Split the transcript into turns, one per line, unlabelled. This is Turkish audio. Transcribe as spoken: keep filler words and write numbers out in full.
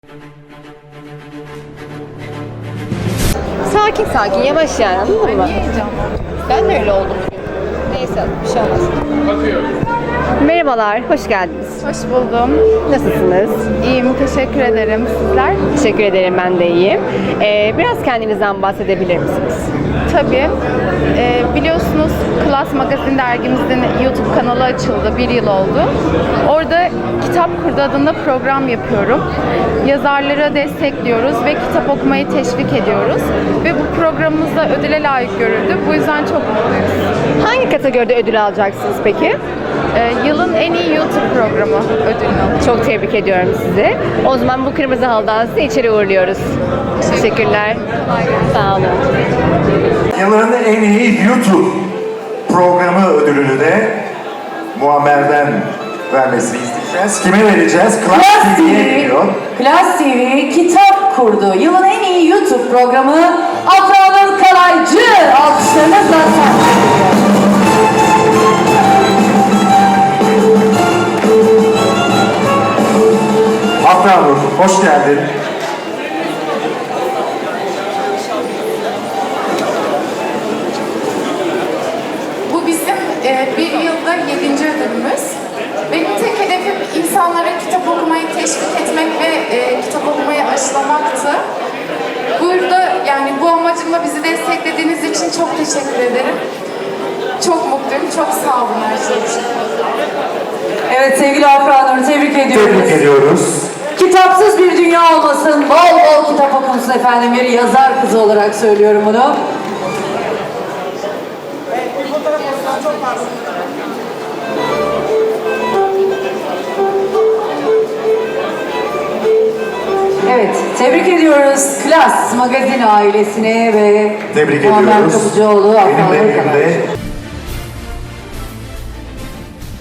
Sakin sakin, yavaş yani, anladın mı? Ben de öyle oldum. Neyse, bir şey olmaz. Merhabalar, hoş geldiniz.
Hoş buldum.
Nasılsınız?
İyiyim, teşekkür ederim. Sizler?
Teşekkür ederim, ben de iyiyim. Ee, biraz kendinizden bahsedebilir misiniz?
Tabii. Ee, biliyorsunuz Klas Magazin dergimizin YouTube kanalı açıldı. Bir yıl oldu. Orada Kitap Kurdu adında program yapıyorum. Yazarlara destekliyoruz ve kitap okumayı teşvik ediyoruz. Ve bu programımız da ödüle layık görüldü. Bu yüzden çok mutluyuz.
Hangi kategoride ödül alacaksınız peki?
Ee, yılın en iyi YouTube programı ödülünü aldım.
Çok tebrik ediyorum sizi. O zaman bu kırmızı halıdan sizi içeri uğurluyoruz. Teşekkürler. Sağ olun.
Yılın en iyi YouTube programı ödülünü de Muammer'den vermesini isteyeceğiz. Kime vereceğiz? Klas
Klas
T V'ye
T V,
geliyor.
Klas T V kitap kurdu. Yılın en iyi YouTube programı Afra Nur Kalaycı alkışlarınızla takip ediyor.
Afra Nur, hoş geldin.
Bu bizim e, bir yılda yedinci ödülümüz. Benim tek hedefim insanlara kitap okumayı teşvik etmek ve e, kitap okumayı aşılamaktı. Burada yani bu amacımla bizi desteklediğiniz için çok teşekkür ederim. Çok mutluyum, çok sağ olun her şey için.
Evet sevgili Afra Nur'u tebrik ediyoruz.
Tebrik ediyoruz.
Kitapsız bir dünya olmasın, bol bol kitap okunsun efendim. Bir yazar kızı olarak söylüyorum bunu. Evet, tebrik ediyoruz Klas Magazin ailesine ve
Tebrik
Muammer
ediyoruz.
Kapıcıoğlu, Afra
Benimle
Nur Kalaycı.
birlikte